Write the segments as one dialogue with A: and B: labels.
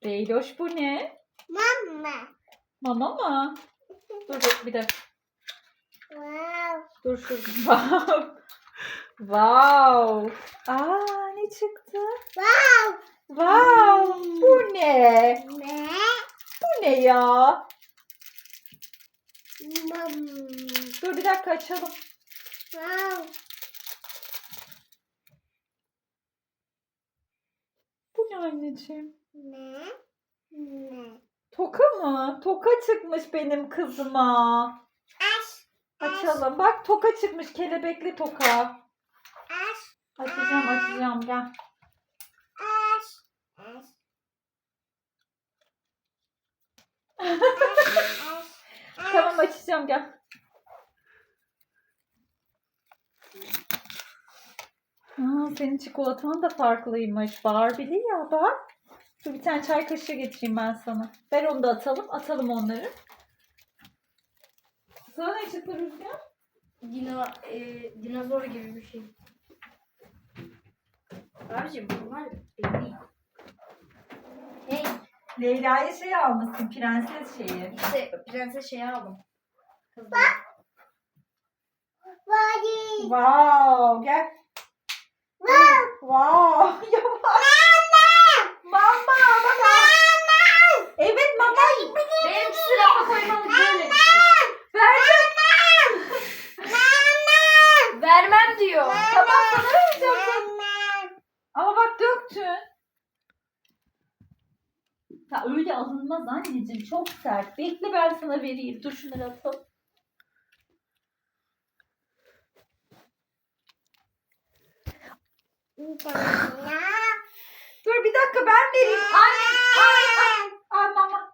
A: Leyloş bu ne?
B: Mama.
A: Mama mı? Dur bir dakika.
B: Wow.
A: Dur şu. Wow. Wow. Aa ne çıktı?
B: Wow.
A: Wow. Bu ne?
B: Ne?
A: Bu ne ya?
B: Mama.
A: Dur bir dakika açalım.
B: Wow.
A: Bu ne anneciğim?
B: Ne? Ne?
A: Toka mı? Toka çıkmış benim kızıma.
B: Aş.
A: Açalım. Bak toka çıkmış. Kelebekli toka.
B: Aş.
A: Açacağım gel.
B: Aş. Aş. Aş.
A: Tamam açacağım gel. Aa, senin çikolatan da farklıymış. Barbie'li ya bak. Dur bir tane çay kaşığı getireyim ben sana. Ver onu da atalım. Atalım onları. Sana ne çıktı Rüzgar?
C: Dinozor gibi bir şey. Abiciğim bunlar değil. Hey,
A: Leyla'ya şey almışsın. Prenses şeyi.
C: işte prenses şeyi aldım. Kızım.
B: Body.
A: Wow. Gel.
B: Wow.
A: Wow. Ya bak. Mama. Bak. Evet mama.
C: Benim sırafa koymalık böyle bir şey. Vermem diyor.
A: Tamam sana vereceğim. Ama bak döktün. Ya öyle alınmaz anneciğim. Çok sert. Bekle ben sana vereyim. Dur şunları atalım. Dur bir dakika ben vereyim. Anne. Ay mama.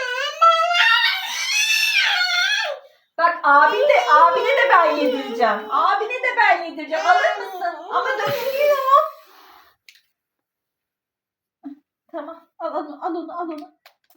A: Bak abine de ben yedireceğim. Abine de ben yedireceğim. Alır mısın? Ama dökülüyor. Tamam. Al onu.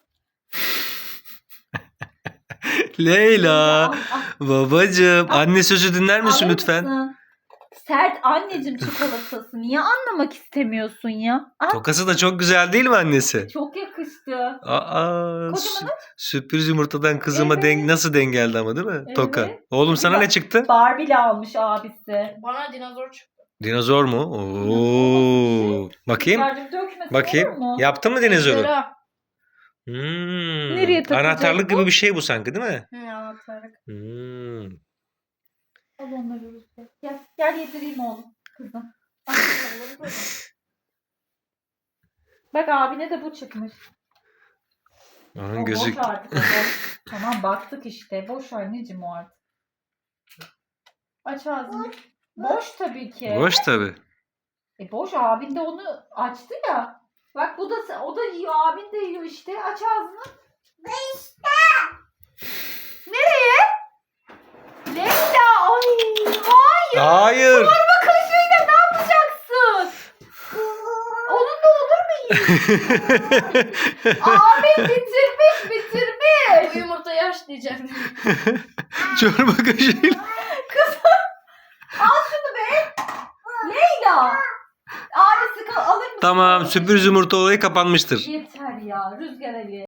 D: Leyla,
A: Al.
D: babacığım, anne sözü dinler misin
A: Alır
D: lütfen?
A: mısın? Sert anneciğim çikolatası. Niye anlamak istemiyorsun ya? Al.
D: Tokası da çok güzel değil mi annesi?
A: Çok yakıştı.
D: Aa,
A: Kocaman aç.
D: sürpriz yumurtadan kızıma
A: Evet.
D: nasıl denk geldi ama değil mi?
A: Evet.
D: Toka. Oğlum sana ne çıktı?
A: Barbie'li almış abisi.
C: Bana dinozor çıktı.
D: Dinozor mu? Oo. Bakayım.
A: Rüzgar'cığım dökmesin
D: Bakayım.
A: olur mu?
D: Yaptın mı dinozoru?
C: Ejderha.
A: Nereye takacağız
D: Anahtarlık
A: bu?
D: gibi bir şey bu sanki değil mi?
C: Anahtarlık.
A: Al onları Rüzgar. Gel yedireyim oğlum. Kızım. Al. Bak abine de bu çıkmış.
D: Onun
A: O
D: gözü...
A: boş artık. O boş. Tamam baktık işte. Boş anneciğim o artık. Aç ağzını. Boş tabii ki.
D: Boş tabii.
A: Boş abin de onu açtı ya. Bak o da yiyor. Abin de yiyor işte. Aç ağzını. Nereye? Leyla. Ay. Hayır.
D: Hayır.
A: Çorba kaşığıyla ne yapacaksın? Onunla olur mu yiyeyim? Abin bitirmiş.
C: Bu yumurtayı aç diyeceğim.
D: Çorba kaşığıyla.
A: Al şunu be. Leyla. Abisi alır mısın?
D: Tamam, sürpriz yumurta olayı kapanmıştır.
A: Yeter ya. Rüzgar Ali.